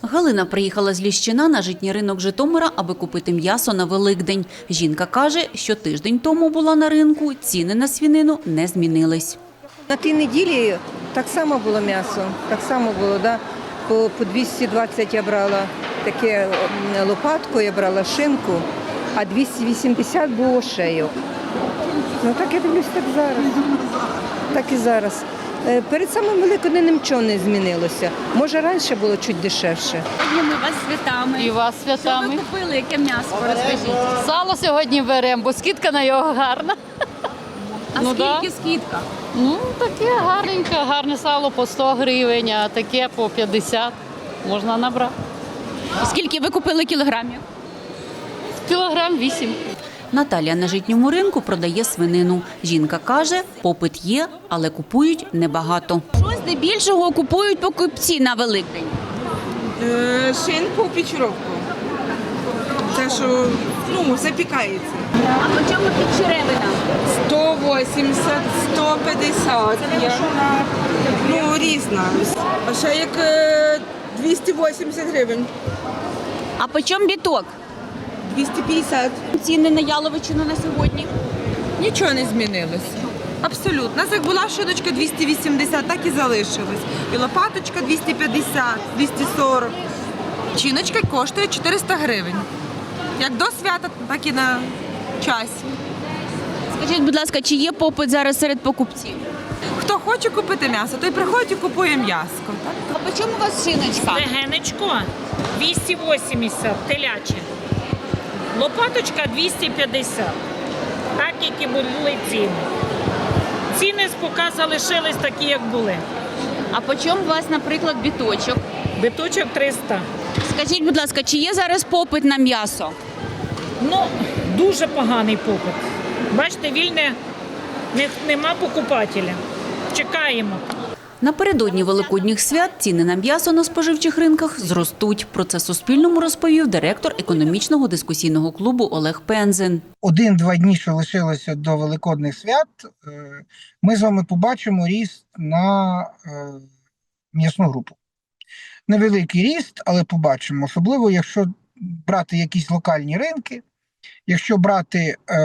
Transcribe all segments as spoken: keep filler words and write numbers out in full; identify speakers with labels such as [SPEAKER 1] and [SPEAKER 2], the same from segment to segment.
[SPEAKER 1] Галина приїхала з Ліщина на житній ринок Житомира, аби купити м'ясо на Великдень. Жінка каже, що тиждень тому була на ринку, ціни на свинину не змінились.
[SPEAKER 2] На тій неділі так само було м'ясо, так само було, да? по, по двісті двадцять я брала таке м, лопатку, я брала шинку, а двісті вісімдесят було шею. Ну так я дивлюсь, так зараз, так і зараз. Е, Перед самим Великоднем нічого не змінилося. Може, раніше було чуть дешевше.
[SPEAKER 3] Сьогодні ми вас святами.
[SPEAKER 4] І вас
[SPEAKER 3] Що ви
[SPEAKER 4] святами.
[SPEAKER 3] купили, яке м'ясо, розкажіть.
[SPEAKER 4] Сало сьогодні беремо, бо скидка на його гарна.
[SPEAKER 3] А
[SPEAKER 4] Ну,
[SPEAKER 3] скільки
[SPEAKER 4] да.
[SPEAKER 3] скидка?
[SPEAKER 4] Ну, таке гарненьке, гарне сало по сто гривень, а таке по п'ятдесят можна набрати.
[SPEAKER 3] Скільки ви купили кілограмів?
[SPEAKER 4] Кілограм вісім.
[SPEAKER 1] Наталія на житньому ринку продає свинину. Жінка каже, попит є, але купують небагато.
[SPEAKER 3] Що здебільшого купують покупці на Великдень?
[SPEAKER 5] Е, Шинку, печеровку. Те, що ну, запікається.
[SPEAKER 3] А по чому підчеревина?
[SPEAKER 5] сто вісімдесят, сто п'ятдесят. Я, ну, різна. А ще як е, двісті вісімдесят гривень.
[SPEAKER 3] А по чому біток?
[SPEAKER 5] двісті п'ятдесят.
[SPEAKER 3] Ціни на яловичину на сьогодні?
[SPEAKER 5] Нічого не змінилось. Абсолютно. У нас як була шиночка двісті вісімдесят, так і залишилась. І лопаточка двісті п'ятдесят, двісті сорок. Чиночка коштує чотириста гривень. Як до свята, так і на часі.
[SPEAKER 3] Скажіть, будь ласка, чи є попит зараз серед покупців?
[SPEAKER 5] Хто хоче купити м'ясо, той приходить і купує м'ясо. Так?
[SPEAKER 3] А по чому у вас шиночка?
[SPEAKER 6] Стегенечко двісті вісімдесят, теляче. Лопаточка двісті п'ятдесят. Так, які були ціни. Ціни поки залишились такі, як були.
[SPEAKER 3] А по чому у вас, наприклад, біточок?
[SPEAKER 6] Биточок триста.
[SPEAKER 3] Скажіть, будь ласка, чи є зараз попит на м'ясо?
[SPEAKER 6] Ну, дуже поганий попит. Бачите, вільне, не- нема покупателя. Чекаємо.
[SPEAKER 1] Напередодні великодніх свят ціни на м'ясо на споживчих ринках зростуть. Про це Суспільному розповів директор економічного дискусійного клубу Олег Пензен.
[SPEAKER 7] Один-два дні, що лишилося до Великодних свят, е, ми з вами побачимо ріст на е, м'ясну групу. Невеликий ріст, але побачимо. Особливо, якщо брати якісь локальні ринки, якщо брати е,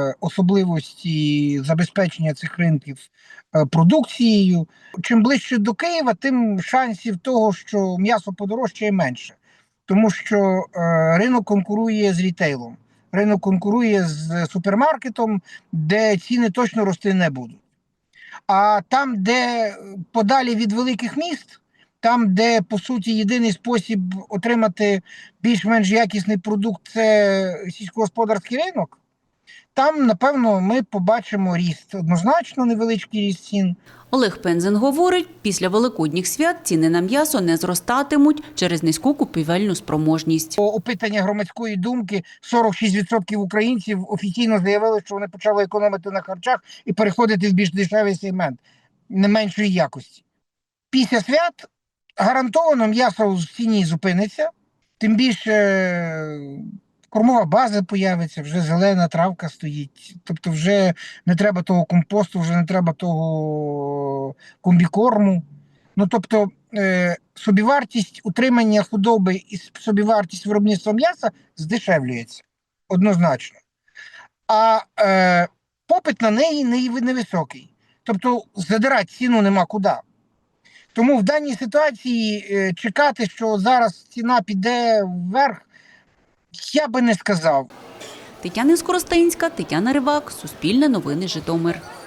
[SPEAKER 7] особливості забезпечення цих ринків е, продукцією. Чим ближче до Києва, тим шансів того, що м'ясо подорожчає, менше. Тому що е, ринок конкурує з рітейлом, ринок конкурує з супермаркетом, де ціни точно рости не будуть. А там, де подалі від великих міст, там, де, по суті, єдиний спосіб отримати більш-менш якісний продукт – це сільськогосподарський ринок, там, напевно, ми побачимо ріст. Однозначно невеличкий ріст цін.
[SPEAKER 1] Олег Пензен говорить, після великодніх свят ціни на м'ясо не зростатимуть через низьку купівельну спроможність.
[SPEAKER 7] По опитання громадської думки сорок шість відсотків українців офіційно заявили, що вони почали економити на харчах і переходити в більш дешевий сегмент, не меншої якості. Після свят гарантовано м'ясо в ціні зупиниться, тим більше кормова база появиться, вже зелена травка стоїть. Тобто вже не треба того компосту, вже не треба того комбікорму. Ну, тобто е, собівартість утримання худоби і собівартість виробництва м'яса здешевлюється однозначно. А е, попит на неї невисокий. Тобто задирати ціну нема куди. Тому в даній ситуації е, чекати, що зараз ціна піде вверх, я би не сказав.
[SPEAKER 1] Тетяна Скоростенська, Тетяна Ривак, Суспільне новини, Житомир.